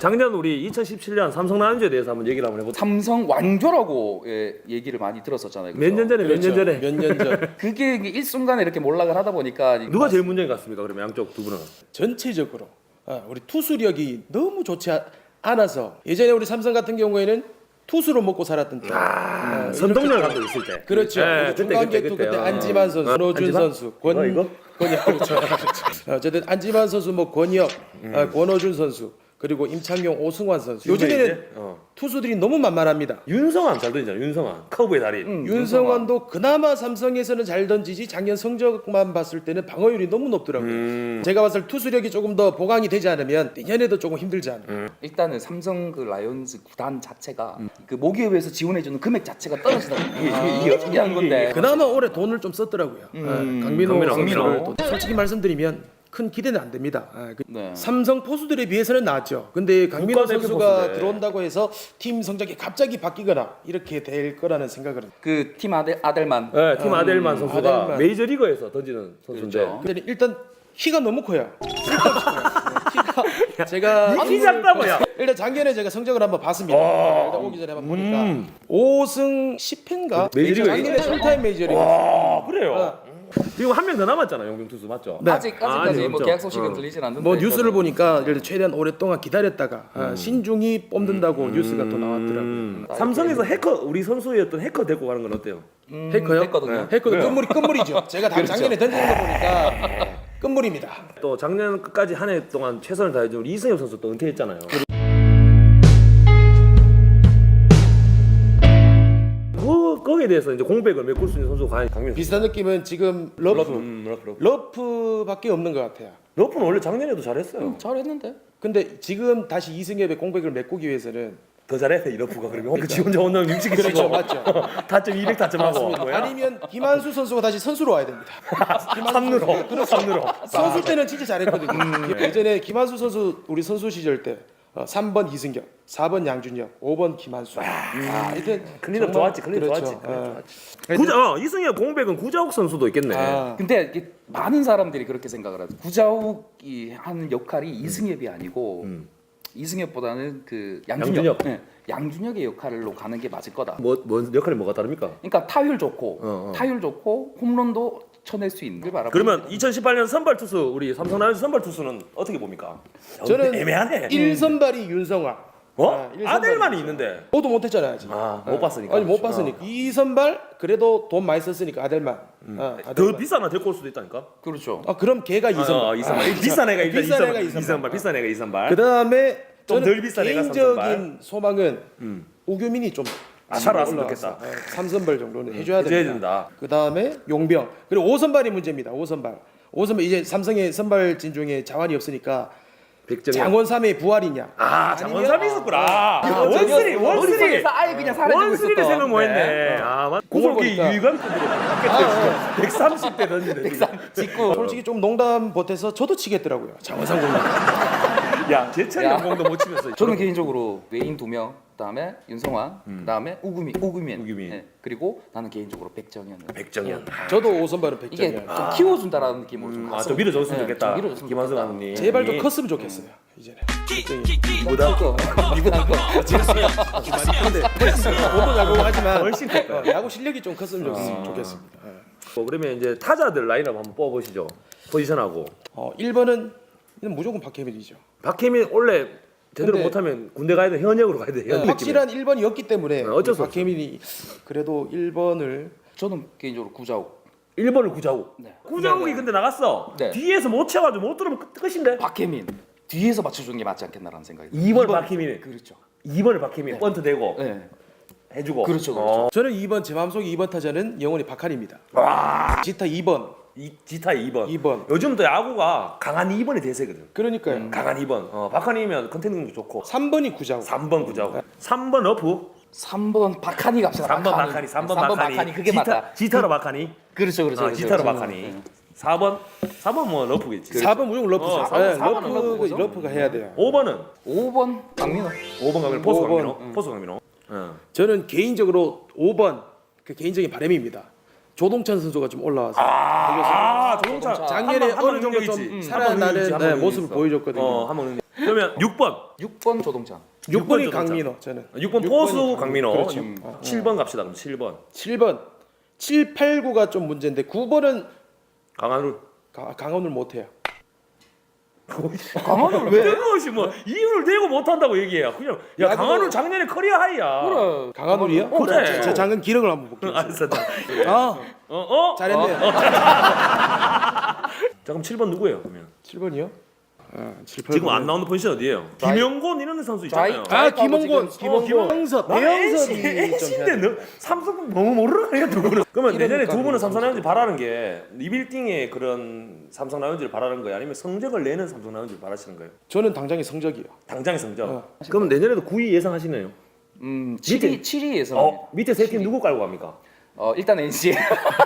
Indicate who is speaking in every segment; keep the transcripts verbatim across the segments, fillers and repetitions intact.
Speaker 1: 작년 우리 이천십칠 년 삼성 라이온즈에 대해서 한번 얘기를 한번 해보자.
Speaker 2: 삼성 왕조라고 예, 얘기를 많이 들었었잖아요.
Speaker 1: 몇 년 전에 몇 년 전에
Speaker 3: 몇 년 전.
Speaker 2: 그게 일순간에 이렇게 몰락을 하다 보니까
Speaker 1: 누가 제일 문제인 것 같습니까? 그러면 양쪽 두 분은.
Speaker 3: 전체적으로 아, 우리 투수력이 너무 좋지 아- 않아서 예전에 우리 삼성 같은 경우에는 투수로 먹고 살았던 때.
Speaker 1: 아,
Speaker 3: 어,
Speaker 1: 선동열 감독 있을 때.
Speaker 3: 그렇죠.
Speaker 1: 네,
Speaker 3: 우리 중간격투 그때, 그때 안지만 선수,
Speaker 1: 어,
Speaker 3: 권호준
Speaker 1: 안지만?
Speaker 3: 선수, 권
Speaker 1: 이거, 이거?
Speaker 3: 권혁 그렇죠. 어쨌든 안지만 선수, 뭐 권혁,
Speaker 1: 음.
Speaker 3: 아, 권호준 선수, 그리고 임창용, 오승환 선수.
Speaker 1: 요즘에
Speaker 3: 요즘에는
Speaker 1: 이제? 어.
Speaker 3: 투수들이 너무 만만합니다.
Speaker 1: 윤성환 잘 던지잖아. 윤성환 커브의 달인.
Speaker 2: 음,
Speaker 3: 윤성환도 그나마 삼성에서는 잘 던지지 작년 성적만 봤을 때는 방어율이 너무 높더라고요.
Speaker 1: 음.
Speaker 3: 제가 봤을 때 투수력이 조금 더 보강이 되지 않으면 내년에도 조금 힘들지 않을까.
Speaker 1: 음.
Speaker 2: 일단은 삼성 그 라이온즈 구단 자체가 그 모기업에서 지원해주는 금액 자체가 떨어지다. 이게, 이게 신기한 건데.
Speaker 3: 그나마 올해 돈을 좀 썼더라고요.
Speaker 2: 음,
Speaker 3: 아, 강민호
Speaker 1: 강민호,
Speaker 3: 선수를
Speaker 2: 강민호.
Speaker 3: 또 솔직히 말씀드리면 큰 기대는 안 됩니다. 아, 그
Speaker 2: 네.
Speaker 3: 삼성 포수들에 비해서는 나았죠. 근데 강민호
Speaker 1: 국가대표
Speaker 3: 선수가
Speaker 1: 포수네.
Speaker 3: 들어온다고 해서 팀 성적이 갑자기 바뀌거나 이렇게 될 거라는 생각을 합니다.
Speaker 2: 그 팀 아델 아델만.
Speaker 1: 네, 팀 아델만 선수가
Speaker 3: 아델만.
Speaker 1: 메이저리거에서 던지는 선수인데.
Speaker 2: 그렇죠.
Speaker 3: 근데 일단 키가 너무 커요. 쓸데없이 커요. 네, 키가 제가
Speaker 1: 이 키 작다고요?
Speaker 3: 일단 작년에 제가 성적을 한번 봤습니다. 네, 일단 오기 전에 한번 보니까 오 승 십 패인가?
Speaker 1: 메이저리그
Speaker 3: 작년에 풀타임 메이저리그.
Speaker 1: 와, 그래요.
Speaker 3: 어.
Speaker 1: 지금 한 명 더 남았잖아, 용병 투수 맞죠?
Speaker 3: 네.
Speaker 2: 아직
Speaker 1: 아,
Speaker 2: 아직까지
Speaker 1: 아직
Speaker 2: 뭐
Speaker 1: 없죠.
Speaker 2: 계약 소식은
Speaker 1: 어.
Speaker 2: 들리진 않는데.
Speaker 3: 뭐 뉴스를
Speaker 2: 일단은.
Speaker 3: 보니까 예를 들어 최대한 오랫동안 기다렸다가 아, 신중히 뽑는다고 뉴스가 또 나왔더라고요.
Speaker 1: 음. 삼성에서 해커 우리 선수였던 해커 데리고 가는 건 어때요?
Speaker 2: 음,
Speaker 3: 해커요?
Speaker 2: 했거든요.
Speaker 3: 해커도 끝물이 끝물이죠. 제가 다 작년에 던지는 거 보니까 끝물입니다.
Speaker 1: 또 작년 끝까지 한 해 동안 최선을 다해준 우리 이승엽 선수 또 은퇴했잖아요. 그 거기에 대해서 이제 공백을 메꿀 수 있는 선수가 과연 강민호.
Speaker 3: 비슷한 느낌은 지금 러프 러프,
Speaker 1: 음, 러프, 러프.
Speaker 3: 밖에 없는 것 같아요.
Speaker 1: 러프는 원래 작년에도 잘했어요.
Speaker 2: 잘했는데.
Speaker 3: 근데 지금 다시 이승엽의 공백을 메꾸기 위해서는
Speaker 1: 더 잘해 이 러프가 그러면 그 지 혼자 혼자 육식이
Speaker 3: 그렇죠,
Speaker 1: 치고
Speaker 3: 맞죠.
Speaker 1: 타점 이백 타점하고
Speaker 3: 아니면 김한수 선수가 다시 선수로 와야 됩니다.
Speaker 1: 삼루로 그렇죠. 삼루로
Speaker 3: 선수 때는 진짜 잘했거든요. 예전에 김한수 선수 우리 선수 시절 때 어, 삼 번 이승엽, 사 번 양준혁, 오 번 김한수. 아, 하여튼
Speaker 1: 클린업
Speaker 3: 정말-
Speaker 1: 좋았지, 클린업
Speaker 3: 그렇죠.
Speaker 1: 좋았지, 클린업
Speaker 3: 어.
Speaker 1: 구자 어, 이승엽 공백은 구자욱 선수도 있겠네.
Speaker 3: 아,
Speaker 2: 근데 이게 많은 사람들이 그렇게 생각을 하죠. 구자욱이 하는 역할이 이승엽이 아니고
Speaker 1: 음.
Speaker 2: 이승엽보다는 그 양준혁,
Speaker 1: 양준혁.
Speaker 2: 네, 양준혁의 역할로 가는 게 맞을 거다.
Speaker 1: 뭐, 뭔 역할이 뭐가 다릅니까?
Speaker 2: 그러니까 타율 좋고
Speaker 1: 어, 어.
Speaker 2: 타율 좋고 홈런도 쳐낼 수 있는 걸 바라보는
Speaker 1: 그러면
Speaker 2: 거죠.
Speaker 1: 이천십팔 년 선발 투수 우리 삼성 라이온즈 선발 투수는 어떻게 봅니까?
Speaker 3: 저는
Speaker 1: 애매하네.
Speaker 3: 일 선발이 윤성화.
Speaker 1: 어?
Speaker 3: 아, 일 선발이
Speaker 1: 아델만이 있는데.
Speaker 3: 저도 못했잖아요 아직.
Speaker 1: 아, 못 봤으니까.
Speaker 3: 아니 못 봤으니까. 이 선발 그래도 돈 많이 썼으니까 아델만. 아,
Speaker 1: 더
Speaker 3: 아델만.
Speaker 1: 비싼 애 데리고 올 수도 있다니까.
Speaker 2: 그렇죠.
Speaker 3: 아 그럼 걔가 이 선발.
Speaker 1: 어, 이 선발. 비싼 애가 일단 이
Speaker 3: 비싼
Speaker 1: 선발.
Speaker 3: 애가 이
Speaker 1: 이
Speaker 3: 선발.
Speaker 1: 선발. 비싼 애가 이 선발.
Speaker 3: 그 다음에
Speaker 1: 좀덜
Speaker 3: 저는
Speaker 1: 비싼 애가 삼
Speaker 3: 개인적인
Speaker 1: 선발.
Speaker 3: 소망은
Speaker 1: 음.
Speaker 3: 우규민이 좀
Speaker 1: 아, 살아왔으면
Speaker 3: 올라와서,
Speaker 1: 좋겠다.
Speaker 3: 어, 삼 선발 정도는 해줘야
Speaker 1: 해줘야
Speaker 3: 됩니다.
Speaker 1: 된다.
Speaker 3: 그 다음에 용병 그리고 오 선발이 문제입니다. 오 선발. 오 선발 이제 삼성의 선발진 중에 자원이 없으니까
Speaker 1: 백정현.
Speaker 3: 장원삼의 부활이냐?
Speaker 1: 아, 장원삼이 있었구나. 아, 원쓰리, 원쓰리.
Speaker 2: 머릿속에서 아예 그냥 사라지고
Speaker 1: 원쓰리를
Speaker 2: 있었던.
Speaker 1: 생각 못 했네.
Speaker 2: 네.
Speaker 1: 아, 맞.
Speaker 3: 그걸
Speaker 1: 구속이
Speaker 3: 보니까.
Speaker 1: 유감급으로 바뀌었어. 백삼십 대 던지네. 지금.
Speaker 2: 직구.
Speaker 3: 솔직히 좀 농담 보태서 저도 치겠더라고요. 장원삼 공격.
Speaker 1: 야, 제철
Speaker 2: 야.
Speaker 1: 연봉도 못 치면서.
Speaker 2: 저는 개인적으로 외인 두 명, 그다음에 윤성환, 그다음에 우구민, 우구민,
Speaker 1: 우규민.
Speaker 2: 예, 그리고 나는 개인적으로 백정현.
Speaker 1: 백정현.
Speaker 3: 저도 오 선발은
Speaker 2: 이게
Speaker 3: 백점이야.
Speaker 2: 좀 키워준다라는 느낌으로 좀.
Speaker 1: 아,
Speaker 2: 갔으면
Speaker 1: 좀 밀어줬으면
Speaker 2: 네,
Speaker 1: 좋겠다.
Speaker 2: 좀 밀어줬으면
Speaker 1: 김한수
Speaker 2: 좋겠다.
Speaker 1: 감독님.
Speaker 3: 제발 좀 컸으면 좋겠어요. 이제는.
Speaker 1: 이보다
Speaker 2: 거, 이보다 거.
Speaker 3: 근데 저도 야구 하지만
Speaker 1: 훨씬 클 거야.
Speaker 3: 어, 야구 실력이 좀 컸으면 좋겠- 좋겠습니다. 예.
Speaker 1: 뭐 그러면 이제 타자들 라인업 한번 뽑아보시죠. 포지션하고.
Speaker 3: 어, 일 번은 무조건 박혜민이죠.
Speaker 1: 박혜민 원래 제대로
Speaker 3: 근데-
Speaker 1: 못하면 군대 가야 돼. 현역으로 가야 돼. 현 느낌에.
Speaker 3: 확실한 일 번이었기 때문에
Speaker 1: 네, 어쩔 수
Speaker 3: 우리 박혜민이 그래도 일 번을
Speaker 2: 저는 개인적으로 구자욱.
Speaker 1: 일 번을 구자욱.
Speaker 2: 네.
Speaker 1: 구자욱이
Speaker 2: 네, 네.
Speaker 1: 근데 나갔어.
Speaker 2: 네.
Speaker 1: 뒤에서 못 채워가지고 못 들어오면 끝- 끝인데.
Speaker 2: 박혜민 뒤에서 맞춰주는 게 맞지 않겠나라는 생각이.
Speaker 1: 이 번 박혜민.
Speaker 2: 그렇죠.
Speaker 1: 이 번을 박혜민 번트 대고
Speaker 2: 네.
Speaker 1: 해주고.
Speaker 2: 그렇죠, 그렇죠.
Speaker 1: 어.
Speaker 3: 저는 이 번 제 마음속 이 번 타자는 영원히 박한입니다. 지타 이 번.
Speaker 1: 이 지타 이 번.
Speaker 3: 이 번.
Speaker 1: 요즘 또 야구가 강한 이 번이 대세거든.
Speaker 3: 그러니까요.
Speaker 1: 강한 이 번. 어, 박한이면 컨택능도 좋고.
Speaker 3: 삼 번이 구자욱.
Speaker 1: 삼 번 구자욱. 삼 번 러프.
Speaker 2: 삼 번 박한이 갑시다.
Speaker 1: 삼 번 박한이. 삼 번 박한이.
Speaker 2: 그게
Speaker 1: 지타,
Speaker 2: 맞다.
Speaker 1: 지타로 박한이.
Speaker 2: 그렇죠, 그렇죠.
Speaker 1: 어,
Speaker 2: 그렇죠,
Speaker 1: 지타로
Speaker 2: 그렇죠.
Speaker 1: 박한이.
Speaker 2: 네.
Speaker 1: 사 번. 사 번 뭐 러프겠지.
Speaker 3: 사 번 무조건 러프죠.
Speaker 1: 어, 사 번,
Speaker 3: 네,
Speaker 1: 사 번은
Speaker 3: 러프,
Speaker 2: 러프죠.
Speaker 3: 러프가 해야 돼요.
Speaker 1: 오 번은
Speaker 2: 오 번 강민호.
Speaker 1: 오 번 가면 포수
Speaker 3: 오 번.
Speaker 1: 강민호. 포수 강민호. 어.
Speaker 3: 저는 개인적으로 오 번 그 개인적인 바람입니다. 조동찬 선수가 좀 올라와서
Speaker 1: 아, 조동찬.
Speaker 3: 작년에
Speaker 1: 한 번,
Speaker 3: 어느 정도
Speaker 1: 한번
Speaker 3: 좀
Speaker 1: 능력이 있지.
Speaker 3: 살아나는
Speaker 1: 한번
Speaker 3: 네,
Speaker 1: 능력이
Speaker 3: 모습을
Speaker 1: 있어.
Speaker 3: 보여줬거든요.
Speaker 1: 어, 한번 능력. 그러면 육 번.
Speaker 2: 육 번 조동찬.
Speaker 3: 육 번이
Speaker 1: 조동찬.
Speaker 3: 강민호 저는.
Speaker 1: 육 번
Speaker 3: 육
Speaker 1: 포수
Speaker 3: 번이
Speaker 1: 강민호.
Speaker 3: 그렇죠.
Speaker 1: 육- 칠 번 갑시다. 그럼 칠 번.
Speaker 3: 칠 번, 칠, 팔, 구가 좀 문제인데 구 번은
Speaker 1: 강한울.
Speaker 3: 강원을 못해요.
Speaker 2: 강원을 왜?
Speaker 1: 뜬금없이 뭐 이유를 대고 못한다고 얘기해요. 그냥 야
Speaker 3: 야구도-
Speaker 1: 강한울 작년에 커리어 하이야.
Speaker 2: 그래.
Speaker 3: 강한울이요?
Speaker 1: 어, 그래.
Speaker 3: 제, 제 작은 기록을 한번 볼게요.
Speaker 1: 알았어.
Speaker 3: 아,
Speaker 1: 어 어?
Speaker 3: 잘했네요.
Speaker 1: 자 그럼 칠 번 누구예요? 그러면
Speaker 3: 칠 번이요? 아, 칠, 팔,
Speaker 1: 지금
Speaker 3: 구.
Speaker 1: 안 나오는 포지션 어디예요?
Speaker 2: 좌익.
Speaker 1: 김영곤 이런 선수 있잖아요.
Speaker 2: 좌익.
Speaker 3: 아, 김홍곤,
Speaker 2: 지금-
Speaker 3: 김홍곤, 배영섭, 배영섭이 좀 해야
Speaker 1: 엔씨인데
Speaker 3: 돼.
Speaker 1: 너 삼성 너무 모르는 거야 두 분은. 그러면 내년에
Speaker 3: 이러니까
Speaker 1: 두 분은 삼성
Speaker 3: 그런
Speaker 1: 라이온즈 바라는 게 리빌딩의 그런 삼성 라이온즈를 바라는 거예요? 아니면 성적을 내는 삼성 라이온즈를 바라시는 거예요?
Speaker 3: 저는 당장의 성적이요.
Speaker 1: 당장의 성적.
Speaker 3: 어.
Speaker 1: 그럼 내년에도 구 위 예상하시네요.
Speaker 2: 음, 칠 위 칠 위 예상.
Speaker 1: 어 밑에 세 팀 누구 깔고 갑니까?
Speaker 2: 어, 일단 엔씨.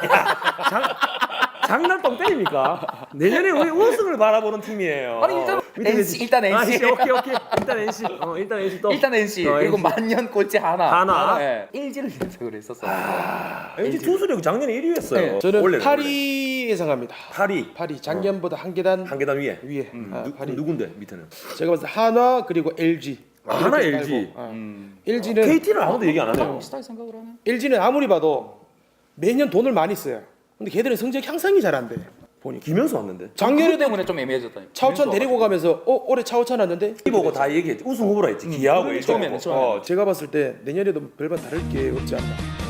Speaker 1: 장난 똥 때립니까? 내년에 우리 우승을 바라보는 팀이에요.
Speaker 2: 아니, 일단
Speaker 1: 밑에 세
Speaker 2: 엔씨,
Speaker 1: 팀.
Speaker 2: 일단 엔씨.
Speaker 1: 아, 엔씨, 오케이 오케이. 일단 엔씨. 어 일단 엔씨 또.
Speaker 2: 일단 엔씨.
Speaker 1: 어,
Speaker 2: 그리고
Speaker 1: 엔씨.
Speaker 2: 만년 꼴찌 하나.
Speaker 1: 하나.
Speaker 2: 예. 일지를 예상을 했었어.
Speaker 1: 엔씨 투수력 작년에 일 위였어요.
Speaker 2: 네.
Speaker 3: 저는
Speaker 1: 원래는,
Speaker 3: 팔 위 예상합니다.
Speaker 1: 팔 위.
Speaker 3: 팔 위 작년보다 한 계단
Speaker 1: 한 계단 위에.
Speaker 3: 위에. 아,
Speaker 1: 누,
Speaker 3: 팔 위.
Speaker 1: 누군데 밑에는?
Speaker 3: 제가 봤을 때 한화 그리고 엘지.
Speaker 1: 아, 하나 엘지.
Speaker 2: 음.
Speaker 3: 엘지는
Speaker 1: 케이티는 아무도 얘기 안 하네요.
Speaker 2: 비슷하게 생각을 하네.
Speaker 3: 엘지는 아무리 봐도 매년 돈을 많이 써요. 근데 걔들은 성적 향상이 잘 안 돼. 보니까.
Speaker 1: 김현수 왔는데.
Speaker 2: 그것
Speaker 3: 작년에도
Speaker 2: 때문에 좀 애매해졌다.
Speaker 3: 차우찬 데리고 가면서 어 올해 차우찬 왔는데
Speaker 1: 이 보고 다 얘기했지. 우승 후보라 했지. 기아하고 엘지.
Speaker 2: 처음에는, 처음에는.
Speaker 1: 어,
Speaker 3: 제가 봤을 때 내년에도 별반 다를 게 없지 않나.